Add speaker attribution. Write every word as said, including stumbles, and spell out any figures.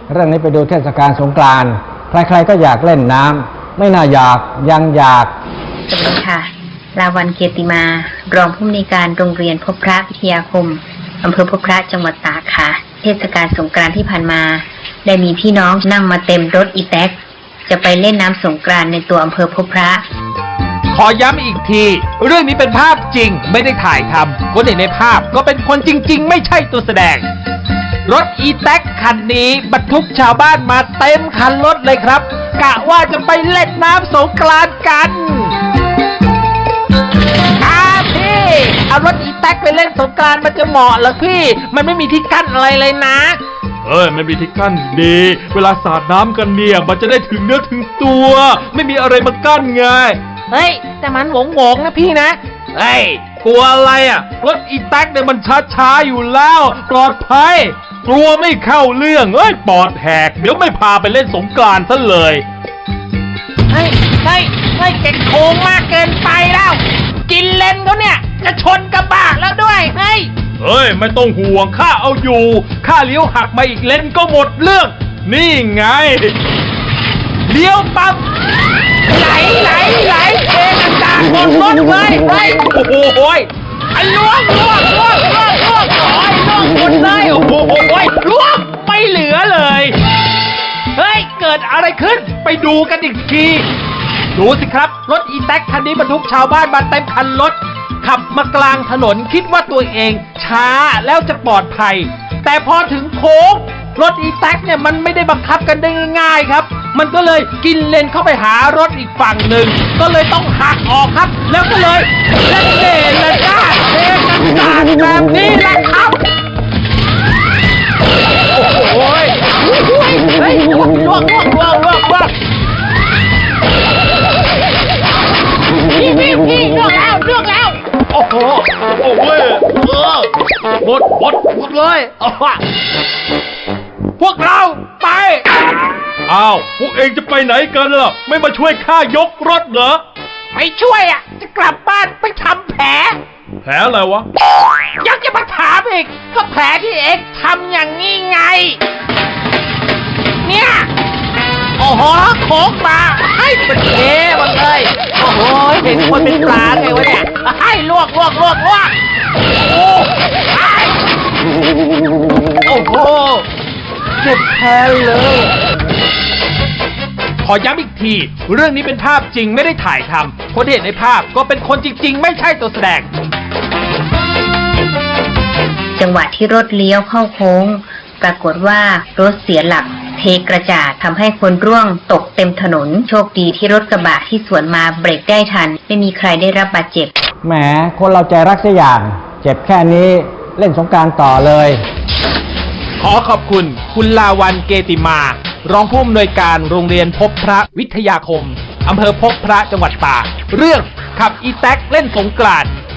Speaker 1: เรื่องนี้ไปดูเทศกาลสงกรานต์ใครๆก็อยากเล่นน้ำไม่น่าอยากยังอยาก
Speaker 2: สวัสดีค่ะลาวันเกียรติมารองผู้อำนวยการโรงเรียนพบพระวิทยาคมอำเภอพบพระจังหวัดตากค่ะเทศกาลสงกรานต์ที่ผ่านมาได้มีพี่น้องนั่งมาเต็มรถอีแท็กจะไปเล่นน้ำสงกรานต์ในตัวอำเภอพบพระ
Speaker 3: ขอย้ำอีกทีเรื่องนี้เป็นภาพจริงไม่ได้ถ่ายทำคนเห็นในภาพก็เป็นคนจริงๆไม่ใช่ตัวแสดงรถอีแท็กคันนี้บรรทุกชาวบ้านมาเต็มคันรถเลยครับกะว่าจะไปเล่นน้ำสงกรานต์กันครับพี่เอารถอีแท็กไปเล่นสงกรานต์มันจะเหมาะเหรอพี่มันไม่มีที่กั้นอะไรเลยนะ
Speaker 4: เอ้ยไม่มีที่กั้นดีเวลาสาดน้ำกันเนี่ยมันจะได้ถึงเนื้อถึงตัวไม่มีอะไรมากั้นไง
Speaker 3: เฮ้ยแต่มันหวงหวงนะพี่นะเฮ้ยกลัวอะไรอ่ะรถอีแท็กเนี่ยมันช้าๆอยู่แล้วปลอดภัยกลัวไม่เข้าเรื่องเอ้ยปอดแหกเดี๋ยวไม่พาไปเล่นสงกรานต์ซะเลยเฮ้ยเฮ้ยเฮ้ยเก่งโค้งมากเกินไปแล้วกินเลนเขาเนี่ยจะชนกระบะแล้วด้วยเฮ้ย
Speaker 4: เฮ้ยไม่ต้องห่วงข้าเอาอยู่ข้าเลี้ยวหักมาอีกเลนก็หมดเรื่องนี่ไง
Speaker 3: เลี้ยวปั๊บไหลไหลไหลเทกันดาหมดรถเลยเฮ้ยโอ้โหไอ้ล่วงล่วงล่วงล่วงล่วงโอ้ยล่วงหมดเลยโอ้โหล่วงไม่เหลือเลยเฮ้ยเกิดอะไรขึ้นไปดูกันอีกทีดูสิครับรถอีแท็กคันนี้บรรทุกชาวบ้านมาเต็มคันรถขับมากลางถนนคิดว่าตัวเองช้าแล้วจะปลอดภัยแต่พอถึงโค้งรถอีแท็กเนี่ยมันไม่ได้บังคับกันได้ง่ายๆครับมันก็เลยกินเลนเข้าไปหารถอีกฝั่งหนึ่งก็เลยต้องหักออกครับแล้วก็เลยเล่นเล่นและจ้าเทกันสาดแบบนี้แหละครับโอ้โหเฮ้ยล่วงล่วงล่วงล่วงล่วงล่วงพี่พี่พี่เลือกแล้วเลือกแล้วโอ้โหโอ้โหเออหมดหมดหมดเลยพวกเราไป
Speaker 4: อ้าวพวกเองจะไปไหนกันล่ะไม่มาช่วยข้ายกรถเหรอ
Speaker 3: ไม่ช่วยอ่ะจะกลับบ้านไปทำแผล
Speaker 4: แผลอะไรวะ
Speaker 3: ยังจะมาถามอีกก็แผลที่เอ็กทำอย่างนี้ไงเนี่ยโอ้โหโค้งมาให้เป็นเทมันเลยโอ้โหเห็นคนเป็นปลาไงวะเนี่ยให้ลวกลวกลวกลวกโอ้โอ้โหเจ็บแผลเลยขอย้ำอีกทีเรื่องนี้เป็นภาพจริงไม่ได้ถ่ายทำคนที่เห็นในภาพก็เป็นคนจริงๆไม่ใช่ตัวแสดง
Speaker 2: จังหวะที่รถเลี้ยวเข้าโค้งปรากฏว่ารถเสียหลักเทกระจาดทำให้คนร่วงตกเต็มถนนโชคดีที่รถกระบะที่สวนมาเบรกได้ทันไม่มีใครได้รับบาดเจ็บ
Speaker 1: แหมคนเราใจรักเสียอย่างเจ็บแค่นี้เล่นสงกรานต์ต่อเลย
Speaker 3: ขอขอบคุณคุณลาวันเกติมารองผู้อำนวยการโรงเรียนพบพระวิทยาคมอำเภอพบพระจังหวัดตากเรื่องขับอีแท็กเล่นสงกรานต์